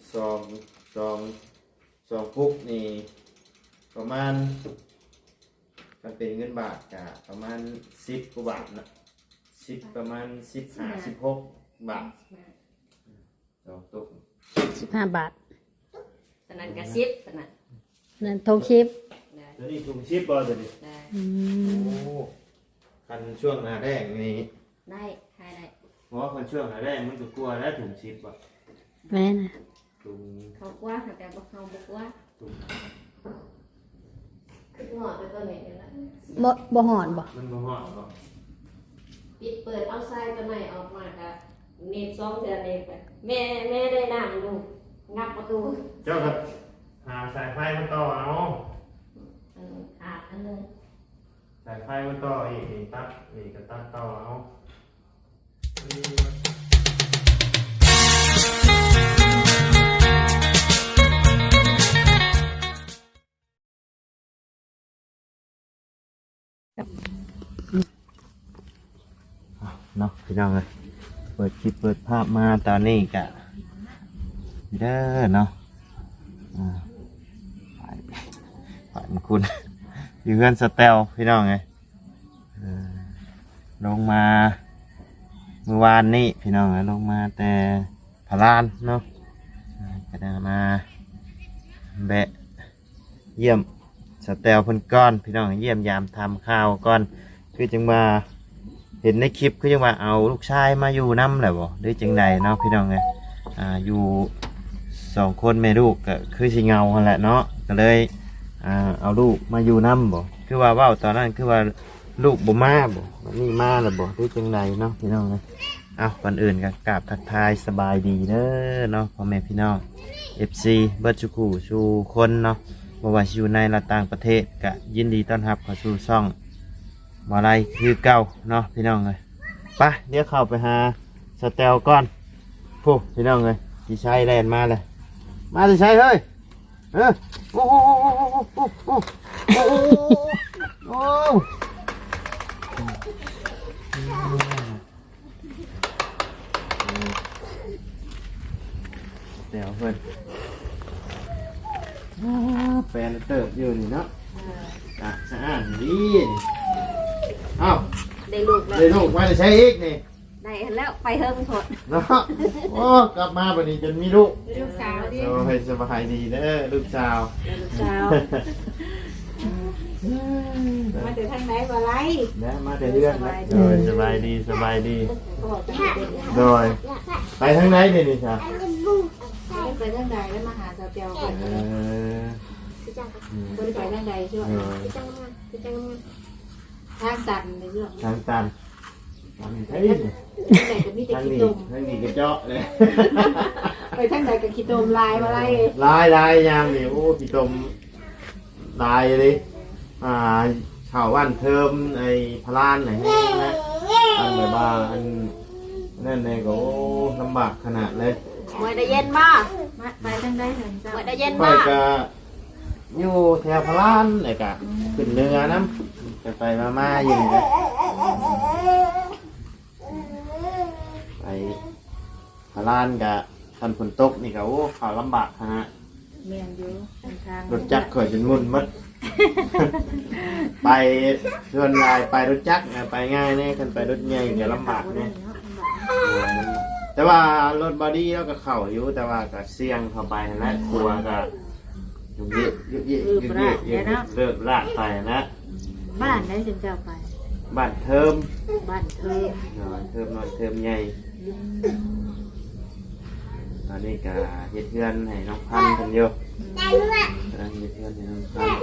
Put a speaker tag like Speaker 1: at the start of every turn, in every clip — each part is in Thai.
Speaker 1: สองสองสองพุกนี่ประมาณมันเป็นเงินบาทกับประมาณ10 กว่าบาทนะประมาณ15-16 บาทสองตุก
Speaker 2: 15 บาท
Speaker 3: ตอนนั้นก็10ตอนนั้น
Speaker 2: นั่นทงชิป
Speaker 1: ตัวนี้ถุงชิปบ่ตัวนี้โอ้คันช่วงหน้าแรกนี่
Speaker 3: ได้ขายได้
Speaker 1: เพราะว่าคันช่วงหน้าแรกมันก็กลัวแล้วถุงชิปบ่
Speaker 2: แม่น่ะ
Speaker 1: ถุง
Speaker 3: เขากว่าแต่บ่เขาบ่กว่าคือหอดไปตัวนี้นี่ล่ะ
Speaker 2: บ่หอนบ่
Speaker 1: มันบ่ฮอดบ่
Speaker 3: ปิดเปิดเอาทรายตัวไหนออกมาก็เน็บ2เทื่อเน็บไปแม่ได้นั่งดูงับประตู
Speaker 1: เจ้าก็หาสายไฟมาต่อเอา
Speaker 3: ขาดอันนึง
Speaker 1: สายไฟมาต่ออีกตัดนี่ก็ตัดต่อเอาเนาะพี่น้องเลยเปิดคลิปเปิดภาพมาตอนนี้กะเด้อเนาะฝันคุณอยู่เพื่อนสเตลพี่น้องไงลงมาเมื่อวานนี้พี่น้องลงมาแต่พารานเนาะก็ได้มาแบะเยี่ยมสเตลเพิ่นก้อนพี่น้องเยี่ยมยามทำข้าวก้อนคือจึงมาเห็นในคลิปคือจังว่าเอาลูกชายมาอยู่น้ำแหละบ่ได้จังใดเนาะพี่น้องไงอยู่2 คนแม่ลูกก็คือสิเงาหั่นแหละเนาะก็เลยเอาลูกมาอยู่น้ำบ่คือว่าเว้าตอนนั้นคือว่าลูกบ่มาบ่นี่มาแล้วบ่ได้จังใดเนาะพี่น้องไงก่อนอื่นก็กราบทักทายสบายดีเด้อเนาะพ่อแม่พี่น้อง FC เบิดทุกคู่สู่คนเนาะบ่ว่าสิอยู่ในและต่างประเทศก็ยินดีต้อนรับเข้าสู่ช่องบ่ไรคือเก่าเนาะพี่น้องเลยไปเดี๋ยวเข้าไปหาสเตลก่อนพูพี่น้องเลยกี่ใช้แลนมาเลยมาจะใช้เฮ้ยโอ้โหโอ้เดี๋ยวเพื่อนแฟนเติบอยู่นี่เนาะสะอาดดี
Speaker 3: ได้ลูกแล้ว
Speaker 1: ได้ลูกมาจะใช้อีกนี่
Speaker 3: ได้แล้วไปเฮิ่มถด
Speaker 1: เนาะโอ้กลับมาบัดนี้จนมีลูก
Speaker 3: สาวดิ
Speaker 1: โอ้ให้สบายดีเด้อลูกสาว
Speaker 3: มาถึงทางไหนบ่ไร
Speaker 1: นะมาแต่เดือนโดยสบายดีโดยไปทางไหนเนี่ยนี่จ้ะ
Speaker 3: ไปทางใดแล้วมาหาสาวเปียวกันบ่ได้ไปทางใดใช่ไหมทางตันในเรื่อง
Speaker 1: ทางตันทางไทยนี่ทางนี้กระเจาะเลย
Speaker 3: ไปทางใดกับขี้ตมลายมา
Speaker 1: ลายยามนี่โอ้ขี้ตมลายเลยชาวบ้านเทิมไอ้พลานไหนนะอันแบบว่าอันนั่นเลยก็ลำบากขนาดเลย
Speaker 3: เมื่อได้เย็นมากไปทางใดเห็นจ้ะเมื่อได้เย็นมาก
Speaker 1: ก็อยู่แถวพลานเลยกะขึ้นเรือน้ำไปมาอยู่นะไปพลานกะทันฝนตกนี่ก็โอ้ข่าวลำบากฮะ
Speaker 3: เมียนอยู่
Speaker 1: รถจักรข่อยจนมุ่นมัดไปส่วนลายไปรถจักรไปง่ายเนี่ยกันไปรถใหญ่จะลำบากเนี่ยแต่ว่ารถบอดี้แล้วก็เข่าอยู่แต่ว่าก็เสี่ยงเข้าไปและครัวก็ยุ่งยิ่งเลิกลากไปนะ
Speaker 3: บ้านได้จึงจะไป
Speaker 1: บ้านเทิม
Speaker 3: นอนเ
Speaker 1: ทิมใหญ่ตอนนี้ก็เฮ็ดเพื่อนให้น้องพันธุ์กันอยู่เฮ็ดเพื่อนให้น้องพันธุ์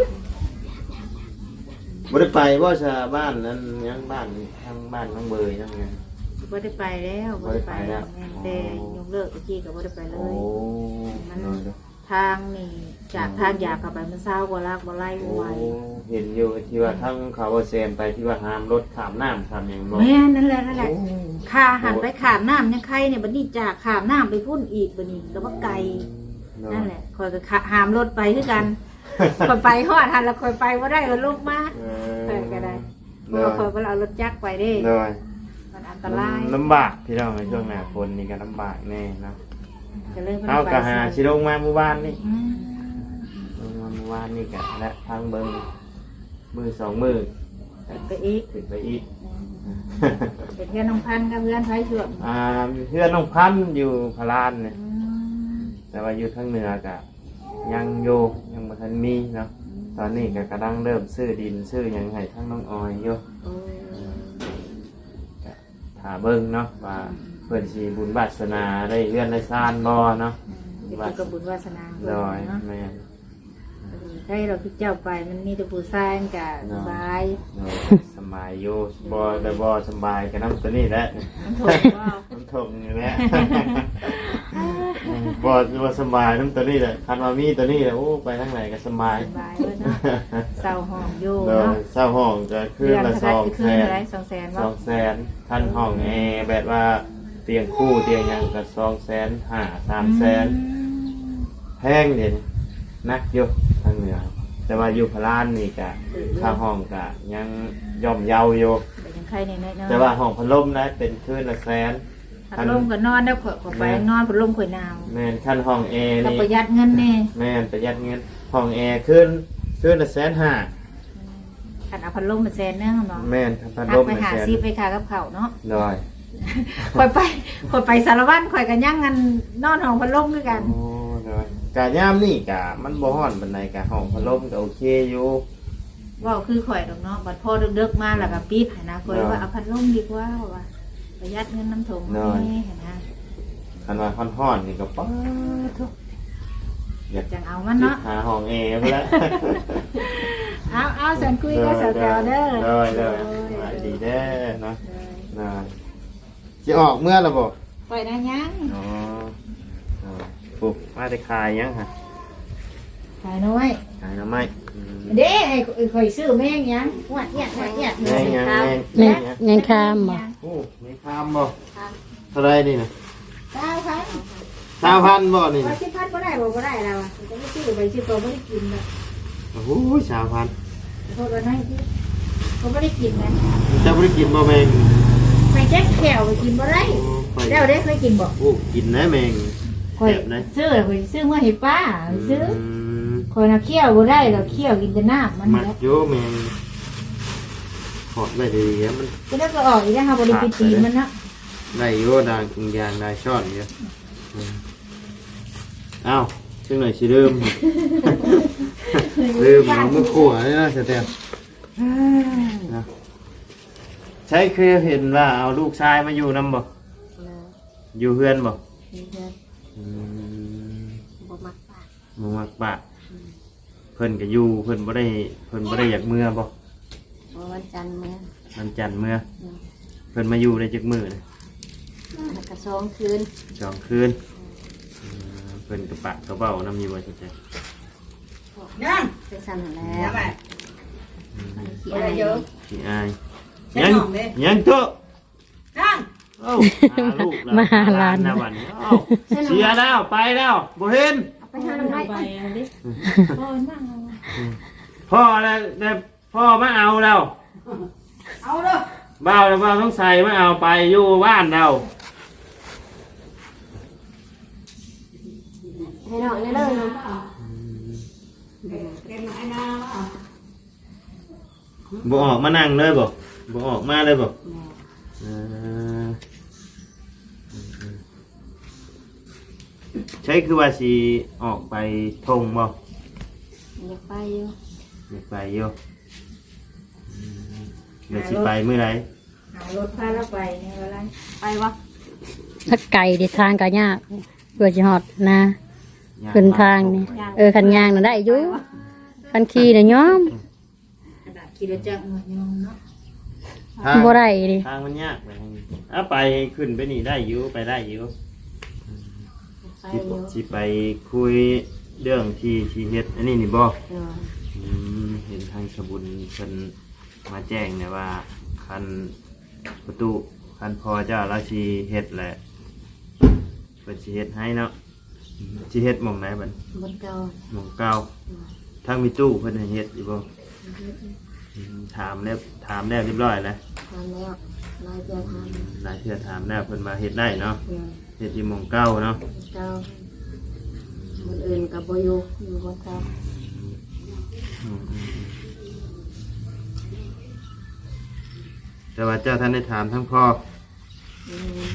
Speaker 1: บ่ได้ไปว่าจะบ้านนั้นยังบ้านทางบ้านน้องเบยนั่นไง
Speaker 3: บ่ได้ไปแล้วบ่ได้ไปแล้วแต่ยกเลิกเมื่อกี้ก็บ่ได้ไปเลยมันทางนี่จากทางอยากเข้าไปมันเศร้ากว่ารักบ่ไล่บ่ไหว
Speaker 1: เห็นอยู่ที่ว่าทั้งเขาว่าแซมไปที่ว่าห้ามรถข้ามน้ำข้ามอย่างบ่
Speaker 3: แม่นั่นแหละข้าหันไปข้ามน้ำยังใครเนี่ยบัดนี้จากข้ามน้ำไปพุ่นอีกบัดนี้ก็ว่าไกลนั่นแหละคอยก็ห้ามรถไปคือกันคอยไปฮอดทันแล้วคอยไปบ่ได้ก็ลงมาก็ได้เพราะคอยบ่เอารถจักรไปเด้มันอันตราย
Speaker 1: ลำบากพี่น้องในช่วงหน้าฝนนี่ก็ลำบากแน่นะ
Speaker 3: ก็เลย
Speaker 1: เอาก็หาสิลงมาเมื่อวานนี่
Speaker 3: อืม
Speaker 1: ลงมาเมื่อวานนี่ก็และทางเบิ่งมือ2มือ
Speaker 3: ไปอีก
Speaker 1: ขึ้นไปอีก
Speaker 3: เป็นเพื่อนน้องพันธุ์กับเพื่อนไทยช่วง
Speaker 1: เพื่อนน้องพันธุ์อยู่พารานเนี่ย
Speaker 3: อืม
Speaker 1: แต่ว่าอยู่ทางเหนือก็ยังอยู่ยังบ่ทันมีเนาะตอนนี้ก็กำลังเริ่มซื้อดินซื้อหยังให้ทั้งน้องออยอยู่
Speaker 3: โอ้
Speaker 1: ก็ถ้าเบิ่งเนาะว่าเพิ่นสิบุญวาสนาได้เลื่อนได้ซ่านบ่เนาะ
Speaker 3: เดี๋ยวก็บุญวาสนา
Speaker 1: โดย
Speaker 3: เนาะ
Speaker 1: แม่น
Speaker 3: ใช่เราคือเจ้าไปมันมีแต่ผู้ชายมันก็สบาย
Speaker 1: โดยสบายอยู่บ่ได้บ่สบายก็นำตัวนี้แหละ
Speaker 3: มันถูกว่า
Speaker 1: มันทงนี่แหละ บ่สบายนำตัวนี้แหละคันว่ามีตัวนี้แหละโอ้ไปทางไหนก็สบาย
Speaker 3: สบายเลยเนาะเศร้าห้องอยู่
Speaker 1: โดย
Speaker 3: เนาะ
Speaker 1: เช่าห้องก็คืนละ
Speaker 3: เท่าไหร่คืนละ200,000 ว่า
Speaker 1: 200,000คันห้องแอร์แบบว่าเตียงคู่เตียงหยังก็250,000 300,000แพงเด่นนักอยู่ทางเหนือแต่ว่าอยู่พารานนี่ก็ค่าห้องก็ยังย่อมเยาอยู่
Speaker 3: เป็นยังใครเนี่ยเนาะ
Speaker 1: แต่ว่าห้องพัดลมนะเป็นคืนละแสน
Speaker 3: พัดลมก็นอนแล้วขอไปนอนพัดลมข่อยหนาว
Speaker 1: แม่นขั้นห้องแอร์
Speaker 3: ก็
Speaker 1: นี่
Speaker 3: ประหยัดเงินแน่
Speaker 1: แม่นประหยัดเงินห้องแอร์คืนละ150,000
Speaker 3: ขันเอาพัดลมมาแซนเนื้อเนาะ
Speaker 1: แม่นพัด
Speaker 3: ทั
Speaker 1: ล
Speaker 3: ก
Speaker 1: ม
Speaker 3: ไป
Speaker 1: ละ
Speaker 3: หา
Speaker 1: แสน
Speaker 3: ซีไปขากับเขาเนาะ
Speaker 1: ดอย
Speaker 3: ข่อยไปสารวัตรข่อยกันย่างกันนอนห้องพัดลมด้วยกัน
Speaker 1: โอ้ดอยกะยามนี่กะมันบ่ฮ้อนปานใดกะห้องพัดลมก็โอเคอยู่
Speaker 3: ว่าคือข่อยดอกเนาะบัดพอดึกๆมาแล้วก็ปิดหั้นนะข่อยว่าเอาพัดลมดีกว่าว่าประหยัดเงินน้ำถงนี่หั้นนะ
Speaker 1: คันว่าฮ้อนๆนี่ก็ป๊าดทุกอยาก
Speaker 3: จังเอามันเนาะ
Speaker 1: หาห้องแอร์พุ่นละ
Speaker 3: เอาสันคุยก็สาวๆเด้อ
Speaker 1: ดอยสบายดีเด้อเนาะนะสิออกเมื่อล่ะบ่
Speaker 3: ปล่อยนะยัง
Speaker 1: อ๋อปุ๊บมาได้ขายยังฮะ
Speaker 3: ขายน้อย
Speaker 1: ขายหน่อไม้
Speaker 3: เด้ไอ้ข่อยซื้อแม่งยังหวัดเนี่ย
Speaker 1: แม่งยัง
Speaker 2: แม่ยังข้ามบ่
Speaker 1: โอ้มีคามบ่เท่าไรนี่นะ
Speaker 3: 9,000
Speaker 1: 3,000บ่นี่
Speaker 3: ว่า
Speaker 1: นะ
Speaker 3: 10,000บ่ได้บ่ได้แล้วอ่ะจะไม่ซื้อไปซื้อตัวบ่ได้กินเลย
Speaker 1: โอ้โห3,000
Speaker 3: โทษว่าน้อยที่เขาบ่ได้กินนะ
Speaker 1: จะบ่ได้กินบ่แมง
Speaker 3: ไปแจ็คแขวไปกินบ่ได้
Speaker 1: โอ้ข่อย
Speaker 3: แล้วได้เคยกินบ่
Speaker 1: โอ้กินนะแมง
Speaker 3: ข่อย
Speaker 1: แซ่บนะ
Speaker 3: ซื้อเมื่อให้ป้าซื้อ
Speaker 1: ม
Speaker 3: ข่อยน่ะเคี่ยวบ่ได้ดอกเคี่ยวกินแต่น้ำมัน
Speaker 1: มัด
Speaker 3: แหละ
Speaker 1: โยแมงหอดได้ดีอะมัน
Speaker 3: ก็แล้วก็ออกอีกแล้วค่ะบ่ได้ไปตีมันเนาะ
Speaker 1: ได้โยดางกินยางได้ช้อนอยู่เอ้าจังหน่อยสิลืม ลืมเอามือขั่วนี่นะเสร็จแล้วนะใช่คือเห็นว่าเอาลูกชายมาอยู่นำบ่อยู่เพื่อนบ่อืม
Speaker 3: บ่มักปาก
Speaker 1: บ่มักปะเพิ่นก็อยู่เพิ่นบ่ได้อยากเมื่อบ่
Speaker 3: วันจันทร์มื้อ
Speaker 1: วันจันทร์เมื่อเพิ่นมาอยู่ได้จักมื้อเลย
Speaker 3: แล้วก็2คืน
Speaker 1: 2 คืนเพิ่นกระปะกระเบ้านำอยู่บ่จังได๋
Speaker 3: ยังเป็นสั่นแล้วขี้อายเยอะ
Speaker 1: สิอายยังโต
Speaker 3: ยัง
Speaker 1: เอ้าหาลูกแล้ว
Speaker 2: มาหาหลาน
Speaker 1: นะบัดนี้เอ้าเสียแล้วไปแล้วบ่เห็น
Speaker 3: เอาไปหาน้ำไม้ไปดิโอ้ยนั่งเอา
Speaker 1: พ่อแล้วแต่พ่อมาเอาแล้ว
Speaker 3: เอาเด้อ
Speaker 1: บ้าวแล้วบ้าวต้องใส่มาเอาไปอยู่บ้านเรา
Speaker 3: ให้น้องนี่เลยน้อง
Speaker 1: บ่ออกมานั่งเลยบ่บ่ออกมาเลยบ่เออใช่คือว่าสิออกไปทงบ่
Speaker 3: อยากไปอยู่
Speaker 1: อยากไปอยู่เดี๋ยวสิไปเมื่อไหร่
Speaker 3: หารถพาเราไปในเวลาไปวะ
Speaker 2: ถ้าไก่ดิทางก็ยากเพื่อจะฮอดนะขึ้นทางนี่คันยางน่ะได้อยู่คันขี่น่ะยอม
Speaker 3: ขี่รถจักรยองเนาะ
Speaker 1: ทาง
Speaker 2: บ่ได้ดิ
Speaker 1: ทางมันยากไปทางนี้อ่ะไปขึ้นไปนี่ได้อยู่ไปได้อยู่
Speaker 3: ไป
Speaker 1: สิ
Speaker 3: อยู่
Speaker 1: สิไปคุยเรื่องที่เฮ็ดอันนี้นี่บ่ เห็นทางสบุญเพิ่นมาแจ้งเนี่ยว่าคันประตูคันพอเจ้าราชีเฮ็ดแหละเพิ่นสิเฮ็ดให้เนาะสิเฮ็ดหม่องไหนบัด
Speaker 3: บนเก่า
Speaker 1: หม่องเก่าทางมีตู้เพิ่นให้เฮ็ดอยู่บ่ถามแล้วเรียบร้อยแล้ว
Speaker 3: ทำแล้วนายจะท
Speaker 1: หลายเทื่อถามแล้วเพิ่นมาเฮ็ดได้เนาะ
Speaker 3: ำ
Speaker 1: เฮ็ดอยู่หม่องเก่าเนาะ
Speaker 3: เจ้าคนอื่นกับโบอยู่อยู่บนเขา
Speaker 1: อืมแต่ว่าเจ้าท่านได้ถามทั้งพ่อ
Speaker 3: อืม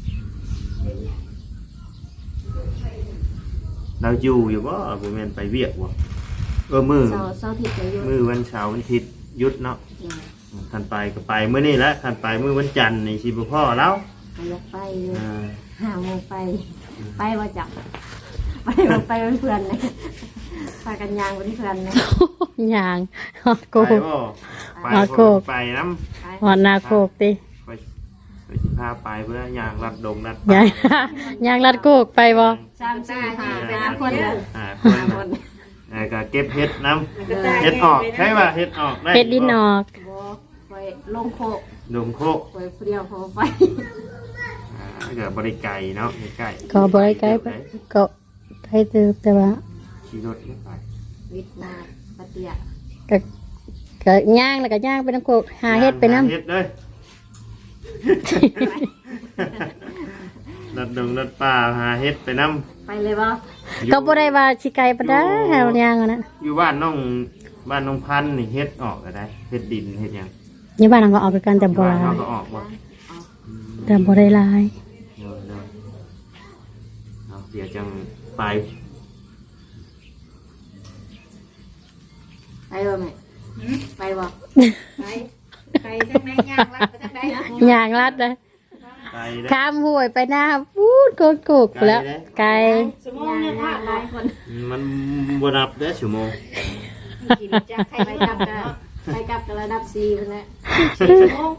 Speaker 1: เราอยู่บ่บ่แม่นไปเวียกบ่มือ
Speaker 3: เสาร์อาทิตย์จะอยู่
Speaker 1: มือวันเสาร์วันอาทิตย์หยุดเนาะ
Speaker 3: เนี่ย
Speaker 1: คันไปก็ไปมื้อนี้แหละคันไปมื้อวันจันทร์นี่สิบ่พ่อแล้ว
Speaker 3: ก็อยากไปอยู่
Speaker 1: อ่า
Speaker 3: 5 โมงไปว่าจับไปเป็นเพื่อนเลยพากันยางเป็นเพื่อนเลย
Speaker 2: ย่างฮอดโก
Speaker 1: ไปบ่ไป
Speaker 2: ฮอดโคก
Speaker 1: ไปน้
Speaker 2: ฮอดนาโคกติ
Speaker 1: ำไปสิพาไปเพื่อย่างรัดดงรัด
Speaker 2: ย่างย่างลัดโกกไปบ่
Speaker 3: 3-4-5ไป5 คนเลย
Speaker 1: คนก็เก็บเห็ดน้ำเห็ดออกใช่ป่ะเห็ดออกได้
Speaker 2: เฮ็ดดินออก
Speaker 3: บ่ไปลงโคก
Speaker 1: ดงโคก
Speaker 3: ไปเดียวพอไป
Speaker 1: ก็บริไก่เนาะใกล้
Speaker 2: ก็บ่ได้ไกลไปก็ไกลเติบแต่ว่า
Speaker 1: ขี่รถไป
Speaker 3: วิทย์นาปะเตีย
Speaker 2: ก็ก็ย่างแล้วก็ย่างไปน้ำโคกหาเฮ็ดไปน้ำ
Speaker 1: เห็ดเลยรถดงรถป่าหาเห็ดไปน้ำ
Speaker 3: ไปเลยบ่
Speaker 2: ก็บ่ได้ว่าสิไกลปานใดหาย่างอะนะ
Speaker 1: อยู่บ้านน้องพันธุ์นี่เห็ดออกก็ได้เห็ดดินเห็ดหยัง
Speaker 2: นี่บ้านเราก็ออกกันแต่บ่ห
Speaker 1: บ้าน
Speaker 2: ลา
Speaker 1: เขา
Speaker 2: ย
Speaker 1: ก็ออกบ่
Speaker 2: แต่บ่ได้หลาย
Speaker 1: เดี๋ยวจังไป
Speaker 3: ไปบ่แม่ไปบ่ไปทางไหนย่างลัดไปทางไหน
Speaker 2: ย่างลัดนะ
Speaker 1: ไปได้
Speaker 2: ข้ามห้วยไปหน้าพูดโกกๆแล้วไกล
Speaker 3: สมองเนี่ยหลายคน
Speaker 1: มันบนับได้ชั่วโมง
Speaker 3: ขี่รถจักรไปกลับกันไปกลับกันระดับ4พุ่นแหละ4 ชั่วโมง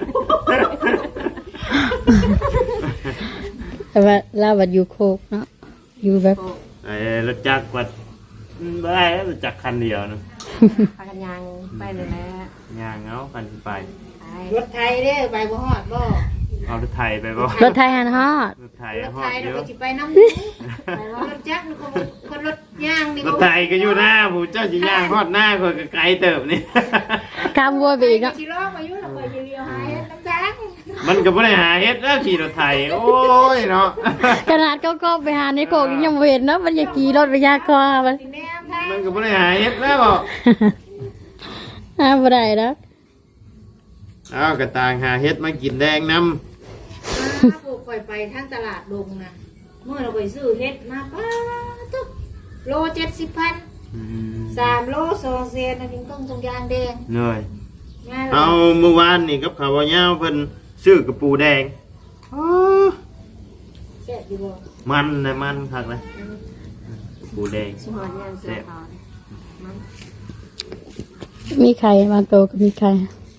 Speaker 2: แต่ว่าเราบัดอยู่โคกเนาะอยู่แบบ
Speaker 1: ไอ้รถจักรวัดไม่ได้แล้วรถจักรคันเดียวนะ
Speaker 3: พากันย่างไปเลยแหละ
Speaker 1: ย่างเอาคันไป
Speaker 3: รถไทยเด้อไปบ่ฮอดบ่
Speaker 1: เอารถไถไปบ่
Speaker 2: รถไทยหันฮอด
Speaker 1: รถไถ
Speaker 3: รถ
Speaker 1: ฮอ
Speaker 3: ไท
Speaker 1: ด
Speaker 3: ย
Speaker 1: เย
Speaker 3: เรา
Speaker 1: อะ
Speaker 3: ก็สิไปน้ำไปว่ารถจักรคนรถย่างนี่
Speaker 1: รถไถก็อยู่หน้าผู้เจ้าจะย่างฮอดหน้าคนก็ไกลเติบนี่
Speaker 2: ข้ามห้วยไปอีกเนาะ
Speaker 3: สิล้อมาอยู่แล้วไปเรียวหายน้ำจักร
Speaker 1: มันก็บ่ได้หาเฮ็ดแล้วขี่รถไถโอ้ยเนาะ
Speaker 2: ขนาดก็ไปหาในโคกยังบ่เห็นเนาะมันอย่าขี่รถไปยากคอมัน
Speaker 3: สิแนมทาง
Speaker 1: มันก็บ่ได้หาเฮ็ดแล้วบ่
Speaker 2: บ่ได้แล้ว
Speaker 1: เอากระต่างหาเฮ็ดมากินแดงนำ
Speaker 3: ปลูกไปทางตลาดดงนะเมื่อเราไปซื้อเฮ็ดมาป้าตุ๊กโล70,000 3 โล2 เซนอันนี้ต้องตรงยางแดง
Speaker 1: เหนื่อย
Speaker 3: ง่ายเล
Speaker 1: เอา
Speaker 3: ย
Speaker 1: เมื่อวานนี่กับข้าวเหนียวเพิ่นซื้อกระปูแดงอ๋อ
Speaker 3: แซ่บอยู่บ่
Speaker 1: มันเลยมันคักเลยกระปูแดง
Speaker 3: สิหอดยางเสือขาวมัน
Speaker 2: มีไข่บางโตก็มีไข่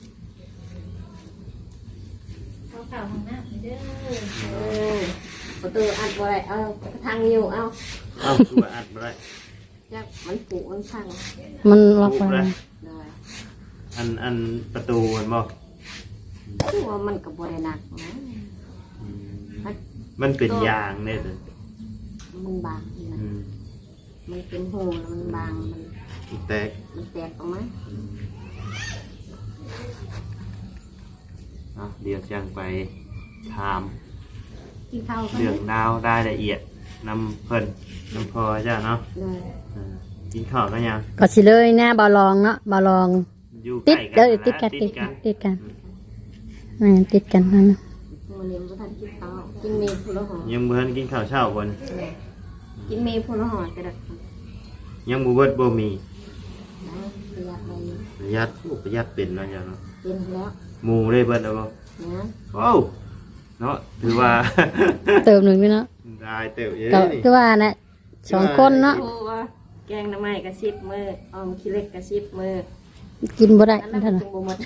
Speaker 3: เข้าห้องน้ำเด้อประตูอัดบ่ได้เอาทางนิ้วเอา
Speaker 1: เอ้าคือว่าอัดบ่ได้
Speaker 3: จักมันปุมันพัง
Speaker 2: มันล็อกไว้
Speaker 3: ได้
Speaker 1: อันประตูมันบ่
Speaker 3: คือว่ามันก็บ่ได้หนักนะ
Speaker 1: มันเป็นยางเนี่ยเด้อ
Speaker 3: มันบางนะ
Speaker 1: อืม
Speaker 3: มันเป็นหูแล้วมันบางมัน
Speaker 1: แตก
Speaker 3: มันแตกออกมา
Speaker 1: เดี๋ยวจังไปถาม
Speaker 3: กินข้าวกัน
Speaker 1: เรื่องดาวได้ละเอียดนำเพิ่นนำพอจ้าเนาะ
Speaker 3: เลย
Speaker 1: กินข้าวกันยัง
Speaker 2: ก็สิเลยหน้าบาลองเนาะบาลอง
Speaker 1: อยู่
Speaker 2: ติด
Speaker 1: ใกล้
Speaker 2: ติดกัน
Speaker 1: นะ
Speaker 2: ติดกันติดกันติดกันนั่นน่ะ
Speaker 3: มื้อนี้บ่ทันกินข้าวกินเมย์พุ่นละหอ
Speaker 1: ยังบ่ทันกินข้าวเช้าบ่น
Speaker 3: กินเมย์พุ่นละหอกระดัก
Speaker 1: ยังบ่เบิดบ่มี
Speaker 3: ประหยัดไป
Speaker 1: ประหยัดโอ้ประหยัดเป็นเนาะจ้ะเนาะ
Speaker 3: กินแล้ว
Speaker 1: หมู่ได้เบิดแล้วบ่
Speaker 3: นะ
Speaker 1: โอ้เนาะถือว่า
Speaker 2: เติมหนึ่งด้วยเนาะ
Speaker 1: ได้เติบเยอะ
Speaker 2: ก็
Speaker 1: นี่
Speaker 2: คือว่านะ2 คนเนาะ
Speaker 3: โอ้ว่าแกงหน้ำไม้กระซิบมือออมขี้เล็กกระซิบมือ
Speaker 2: กินบ่ได้
Speaker 3: อัน
Speaker 2: นั่
Speaker 3: นั้น
Speaker 2: น
Speaker 3: มัน
Speaker 2: น่ะ
Speaker 3: จึงบ่หมด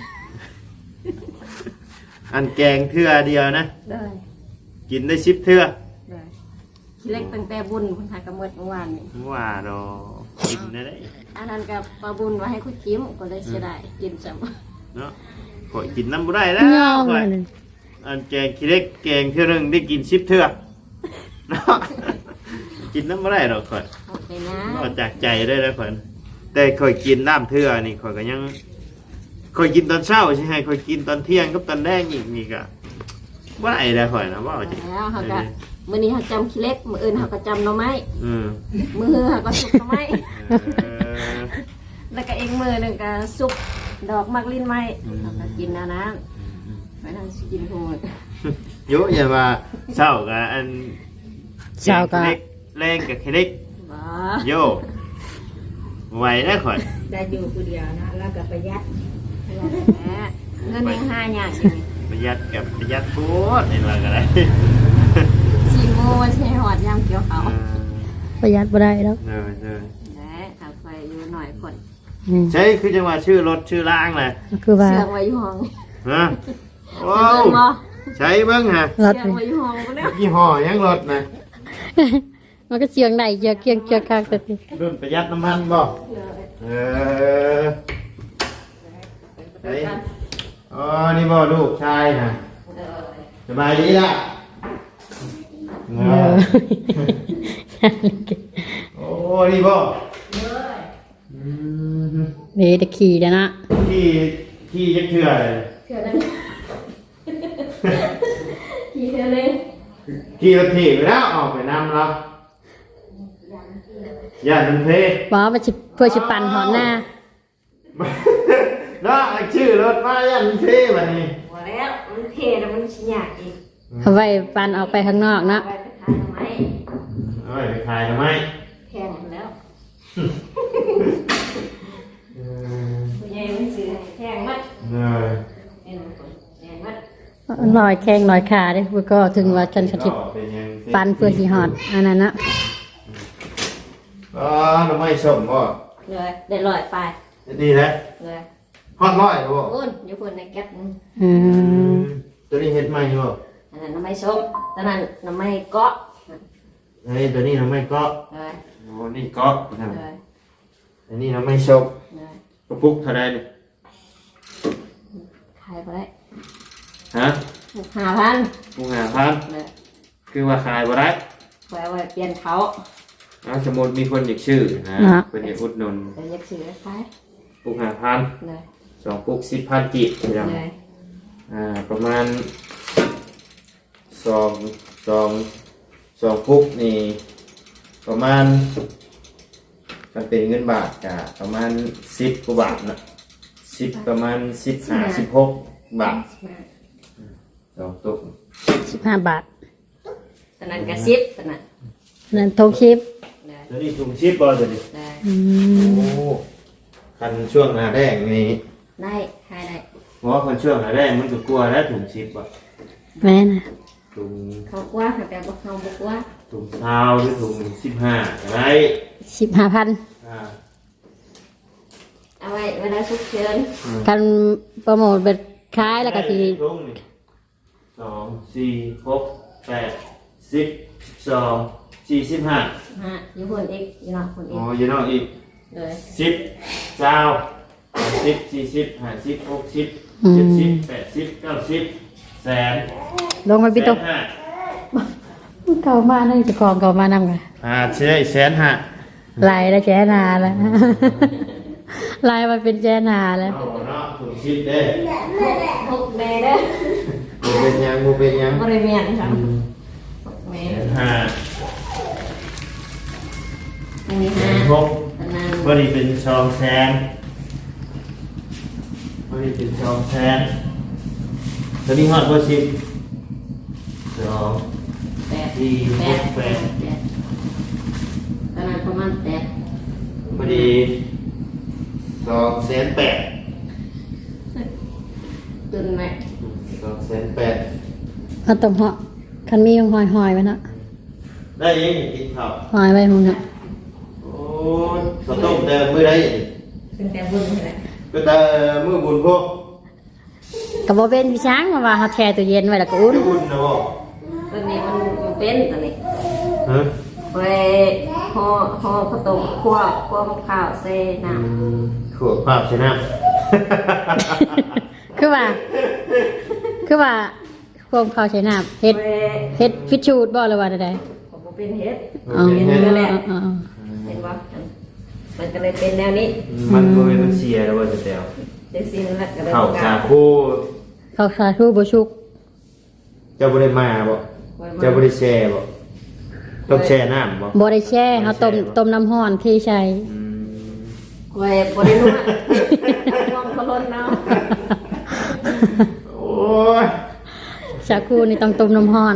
Speaker 1: อันแกงเทื่อเดียวนะ
Speaker 3: ได้
Speaker 1: กินได้10เทื่อ
Speaker 3: ได้ขี้เล็กตั้งแต่บุญเพิ่นหากระหมดเมื่อวานนี่
Speaker 1: ว่าดอกกินได้ได้
Speaker 3: อันนั้นกับปลาบุญไว้ให้คุดจิ้มก็เลยเสียดายกินซ้ำ
Speaker 1: เนาะข่อยกินน้ำบ่ได้แล้ว
Speaker 2: ยอม
Speaker 1: ข่อย
Speaker 2: เลย
Speaker 1: อันแกงขี้เล็กแกงเทื่อหนึงได้กิน10เทื่อเนาะกินน้ำบ่ได้ดอกข่อย
Speaker 3: โอเคนะ
Speaker 1: นอกจากใจได้แล้วข่อยแต่ข่อยกินน้ำเทื่อนี่ข่อยก็ยังข่อยกินตอนเช้าใช่ไหมข่อยกินตอนเที่ยงกับตอนแรกอีกนี่ก็บ่ได้แล้วข่อยนะว่าจริง
Speaker 3: แล้วเขาก็
Speaker 4: มื้อนี้เขาจำขี้เล็กมื้ออื่นเขาก็จำหน่อไม้
Speaker 1: อืม
Speaker 4: มื้อเขาก็สุกหน่อไม้
Speaker 1: เออ
Speaker 4: แล้วก็อีกมื้อหนึงก็สุกดอกมักลิ้นไม้เขาก็กินอันนั้นไม่ต้องกินทุกมื้อ
Speaker 1: โยอย่าว่าเศร้ากับอัน
Speaker 2: เช้าก็
Speaker 1: เล็กแรงกับเล็ก
Speaker 4: บ่
Speaker 1: โยไหวได้ข่อย
Speaker 3: ได้อยู่ผู้เดียวนะแล้วก็ประหยัด
Speaker 4: แหมเงินยังหายากอยู่นี่
Speaker 1: ประหยัดกับประหยัดโคตรนี่ว่าก็ได้
Speaker 4: สิโมมันสิหอดยามเกี่ยวเขาว
Speaker 2: ประหยัดบ่ได้แล้ว
Speaker 1: เออเออ
Speaker 4: แหมถ้าไปอยู่หน่อยคน
Speaker 2: อืม
Speaker 1: ใช่คือจังหวะชื่อรถชื่อล่างเลย
Speaker 2: คือว่า
Speaker 4: เชื่องไว้อยู่ห้อง
Speaker 1: ฮะโอ้
Speaker 4: เบิ่งบ่
Speaker 1: ใช้เบิ้งฮะ
Speaker 2: รถ
Speaker 4: เชื่องไว้อยู่ห้องบ่แล้ว
Speaker 1: ยี่ห้อยังรถนะ
Speaker 2: มันก็เสียงได้เจียเกียงเจียกากแต่สิ
Speaker 1: รุ่นประหยัดน้ำมันบ่เออเฮ้ยอ๋อนี่บ่ลูกชายฮะสบายดีล่ะเอ
Speaker 2: เอ
Speaker 1: อ
Speaker 2: อ
Speaker 1: โอ้นี่บ่อืม
Speaker 2: นี่ตะขี่เด้อนะ
Speaker 1: ที่ยังเถื่อเลย
Speaker 4: เชื่อนั้นกี่เทื่อเลย
Speaker 1: ขี่รถถีบไปแล้วออกไปนำเราอย่าดึงเพ
Speaker 2: บ่ว่าสิเพื่อสิปั่นหอนหน้า
Speaker 1: เนาะชื่อรถมาอย่าดึงเพแบบนี้
Speaker 4: บ่แล้วมันเทแล้วมันสิยากอีก
Speaker 2: เอาไว้ปั่นออกไปข้างนอกเนาะ
Speaker 4: ไปขายทำไม
Speaker 1: เอาไปขายทำไม
Speaker 4: แพงหมดแล้วผู้ใหญ่มันซื้อให้แพงมัด
Speaker 1: เออ
Speaker 4: แพงมัด
Speaker 2: ลอยแข้งลอยขาเด้อก็ถึงว่าฉันสถิต
Speaker 1: เป็นยัง
Speaker 2: ปั่นเพื่อสิฮอดอันนั้นนะ
Speaker 1: อ๋อทำไมสมบ่
Speaker 4: เลยได้ลอยไป
Speaker 1: ดีแล้ว
Speaker 4: เลย
Speaker 1: ฮอดร้อยบ่
Speaker 4: โอ้ยอยู่คนในแก๊ปนึง
Speaker 2: อืม
Speaker 1: ตัวนี้เฮ็ดใหม่บ่
Speaker 4: อันนั้นน้ำไม้ส้มตอนนั้นน้ำไม้เกาะ
Speaker 1: เฮ้ยตัวนี้ทำไมก็
Speaker 4: เลย
Speaker 1: โอ้นี่ก็
Speaker 4: เลย
Speaker 1: อันนี้ทำไมชก
Speaker 4: เลย
Speaker 1: กระปุกเท่าไรเนี่ย
Speaker 4: ขายไปได้
Speaker 1: ฮะ
Speaker 4: 5,000
Speaker 1: ปุก5,000
Speaker 4: เลย
Speaker 1: คือว่าขายบ่ได้
Speaker 4: ไว้ไว้เปลี่ยนเขา
Speaker 1: สมมุติมีคนอยากชื่อนะเป็นอยากอุดหนุน
Speaker 4: เดี๋ยวอยากซื้อขาย
Speaker 1: ปุก5,000
Speaker 4: เลย
Speaker 1: 2ปุก10,000กีบพี่น้อง
Speaker 4: เลย
Speaker 1: ประมาณสองปุกนี่ประมาณถ้าเป็นเงินบาทก็ประมาณ10กว่าบาทนะ10ประมาณ16บาทสองตุก
Speaker 2: 15 บาท
Speaker 4: ตอนนั้นก็10ตอนนั้น
Speaker 2: นั่นทงชิป
Speaker 4: เลย
Speaker 1: ตัวนี้ถุงชิปบ่ตัวนี้
Speaker 4: เลย
Speaker 2: อืม
Speaker 1: โอ้คันช่วงหน้าแดงนี่
Speaker 4: ได้ขายได้
Speaker 1: เพราะว่าคันช่วงหน้าแดงมันก็กลัวแล้วถุงชิปบ่
Speaker 2: แม่นะ
Speaker 1: ถุง
Speaker 4: เขากว่าแต่บ่เขาบ่กว่า
Speaker 1: ถุงเท้าหรือถุง15ก็ได้
Speaker 2: 15,000
Speaker 1: อ่า
Speaker 4: เอาไว้เวลาฉุกเฉิน
Speaker 2: กันโปรโมทเบ็ดขายแล้วก็สิ
Speaker 1: ถุงนี่2 4 6 8 10 12 45
Speaker 4: อยู่คนอีกอยู่นอกคนอี
Speaker 1: อ๋
Speaker 4: ก
Speaker 1: ออยู่นอกอีก
Speaker 4: เลย
Speaker 1: 10 20 30 40 50 60 70 80 90แสน
Speaker 2: ลงมาพี่ตก
Speaker 1: แสนห้า
Speaker 2: เก่ามากนั่นจะกองเก่ามากนำกัน
Speaker 1: ใช่แสนห้า
Speaker 2: ลายแล้วแจนาแล้ว ลายมันเป็นแจนาแล้ว
Speaker 1: เอาเนาะถุงชิปเด้
Speaker 4: หกเมตรเด้อ
Speaker 1: บ่เป็นหยังบ่เป็นหยัง
Speaker 4: บริเวณครับหกเม
Speaker 1: แส
Speaker 4: ตร
Speaker 1: นห้า
Speaker 4: อันนี้
Speaker 1: แส
Speaker 4: ห้าน
Speaker 1: หก
Speaker 4: อันนั้น
Speaker 1: บ่ได้เป็น2 แสนบ่ได้เป็น2 แสนตอนนี้ฮอดบ่ชิป2
Speaker 4: แปด
Speaker 1: 4
Speaker 4: แปด
Speaker 1: 6
Speaker 4: แปดอันนั้นประมาณแปด
Speaker 1: 8พอดี2 แสน 8
Speaker 4: ตุนไหม
Speaker 1: 2 แสน 8
Speaker 2: เอาตบเหาะคันมีหอยไว้เนาะ
Speaker 1: ได้ยังกินข้าว
Speaker 2: หอยไว้หุ่นเนาะ
Speaker 1: โอ้ยข้าวต้มแต่มื้อใด
Speaker 4: เป็นแต่บุญนี่แหละ
Speaker 1: ก็แต่มื้อบุญพวก
Speaker 2: ก็บ่เป็นพี่ช้างมาว่าเฮาแช่ตู้เย็นไว้แล้วก็อุ่น
Speaker 1: อุ่นนะบ่
Speaker 4: ตัวนี้มันเป็นตัวนี้
Speaker 1: ฮะ
Speaker 4: ไว้ห่อข้าวต้มคั่วมะพร้าวใส่น้
Speaker 1: ขวดภาพใช่น้
Speaker 2: คือว่าความข้าวใช้น้ำเฮ็ด
Speaker 4: ำไว้
Speaker 2: เฮ็ดฟิชชูดบ่หรือว่าใด
Speaker 4: ผมบ่เป็นเฮ็ด
Speaker 2: ๆอ๋อ
Speaker 4: เป็นนั่นแหละ
Speaker 2: อ๋อ
Speaker 4: เห็นว่ามันก็เลยเป็นแนวนี้
Speaker 1: มันบ่เป็นเสียแล้วว่าจะแตว
Speaker 4: เป็นสิ่งนั้นแหละก็เลย
Speaker 1: ข้าว
Speaker 4: ประ
Speaker 1: สาก
Speaker 4: าศ
Speaker 1: คู
Speaker 2: ข้าวสาธุบ่ชุก
Speaker 1: เจ้าบ่ได้มาบ่เจ้าบ่ได้แชร์บ่ต้องแช่น้ำบ่
Speaker 2: บ่ได้แช่เฮาต้มน้ำร้อนที่ใช้
Speaker 1: อืม
Speaker 4: ไว้บริลุกลองเขาล้นเนาะ
Speaker 1: โอ้ย
Speaker 2: ชาคูนี่ต้องต้มน้ำร้อน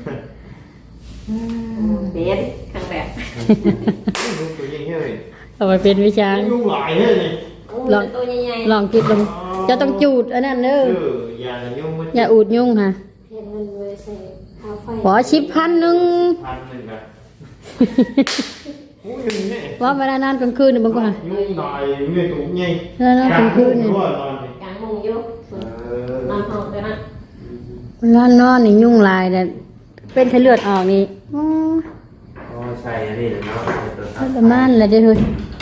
Speaker 4: เบสครั้งแรก
Speaker 1: ลูกตัวใหญ่เฮ้ย
Speaker 2: เอาไปเป็นวิชา
Speaker 1: ลูกหลายเฮ้ยนี่
Speaker 2: ลอง
Speaker 4: ตัวใหญ่
Speaker 2: ลองคิดลงจะต้องจูดอันนั้นเด้อ
Speaker 1: อย่ายุ่งมัน
Speaker 2: อย่าอูดยุ่งค่ะ
Speaker 4: ๆเห็นมันเลยใส่ข้าวไฟ
Speaker 2: ขอ10,000นึง
Speaker 1: 1,000อะโอ้ยยังไง
Speaker 2: ว่าเวลานอนกลางคืนนี่บางคน
Speaker 1: ยุ่งหน่อยเงี้ยถูกไง
Speaker 2: เวลานอนกลางคืนนี่
Speaker 1: นอนนี่
Speaker 4: กลางมุงอยู่นอนห้องกันนะ
Speaker 2: เวลานอนนี่ยุ่งหลายแต่เป็นไข้เลือดออกนี่อ๋อ
Speaker 1: อ๋อใช่อันนี้เนาะ
Speaker 2: ทรมานเลยเด้อเฮ้ย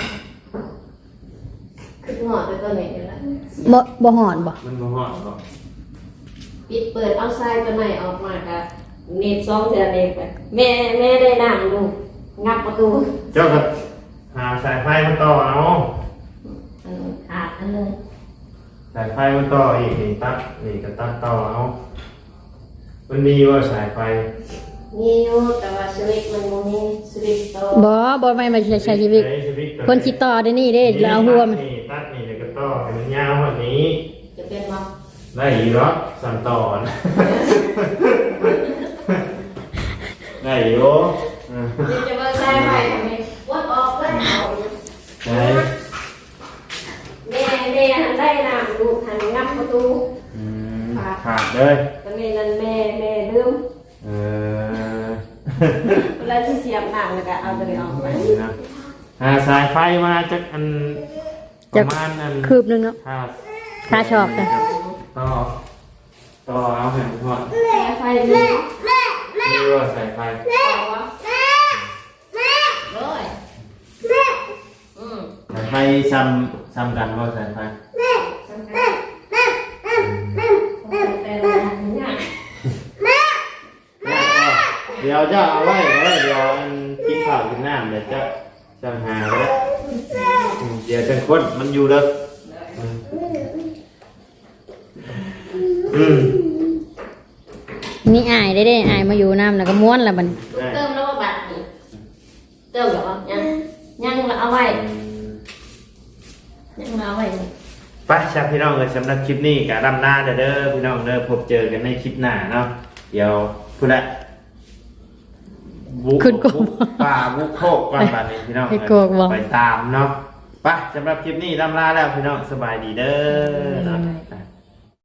Speaker 4: คือหอดไปตัวนี้แล้ว
Speaker 2: บ่หอนบ่
Speaker 1: มันบ่ฮอดบ่
Speaker 4: ปิดเปิดเอาทรายตัวไหนออกมากะเน็บซองเทือนเองไปแม่ได้นั่งดูงับประตู
Speaker 1: เจ้าก็หาสายไฟมาต่อเอา
Speaker 4: ขาดอันนึง
Speaker 1: สายไฟมาต่ออีกนี่ตัดนี่ก็ตัดต่อเอามันมีว่าสายไฟ
Speaker 4: มีอยู่แต่ว่าสวิตช์มันบ่มีสวิตช์โต
Speaker 2: บ่ไม่มาใช้ชีวิต
Speaker 1: ใช้ชีวิตตัว
Speaker 2: คนสิต่อได้นี่เด้แล้วเอาหัวมัน
Speaker 1: นี่ตัดนี่แล้วก็ต่อให้มันยาวกว่านี้
Speaker 4: จะเป็นบ่
Speaker 1: ได้อีกเหรอสั่นต่อนะ ได้อยู่อ่า
Speaker 4: เดี๋ยวจะเบิ่งทรายไปทำไมวัดออกเลยเอา
Speaker 1: ได้
Speaker 4: แม่หันได้น้ำดูหันงับประตู
Speaker 1: อืมขาดเลย
Speaker 4: ตอนนี้นั่นแม่ลืม
Speaker 1: เออ
Speaker 4: เวลาที่เสียบน้ำแล้วก็เอาตัวนี้ออกไป
Speaker 1: นี่นะสายไฟมาจากอันประมาณอัน
Speaker 2: คืบนึงเนาะ
Speaker 1: ค่า
Speaker 2: ค่าชอบจ้ะ
Speaker 1: ต่อเอาแผ่นทอด
Speaker 4: สายไฟนี่
Speaker 1: นี่ว่าสายไฟ
Speaker 4: เอาวะเลยอืม
Speaker 1: สายไฟซ้ำกันว่าสายไฟ
Speaker 4: สำคัญแต่ละอย่าง
Speaker 1: เดี๋ยวจะเอาไว้เดี๋ยวอันกินข้าวกินน้ำเดี๋ยวจะหาก็ได้เดี๋ยวจะค้นมันอยู่เด้ออืม
Speaker 2: นี่อายได้อายมาอยู่น้ำแล้วก็ม้วนแล้วมัน
Speaker 1: ได้
Speaker 4: เติมแล้วว่าบัตรนี่เติมหรอยังเราเอาไว้ยังเราเอาไว้นี่
Speaker 1: ไปชาพี่น้องเลยสำหรับคลิปนี้กับดำหน้าเด้อพี่น้องเด้อพบเจอกันในคลิปหน้าเนาะเดี๋ยวพูดละบุกป่าบุกโคกก่อนบัดนี้พี่น้องไปตามเนาะไปสำหรับคลิปนี้ดำลาแล้วพี่น้องสบายดีเด้อเนาะ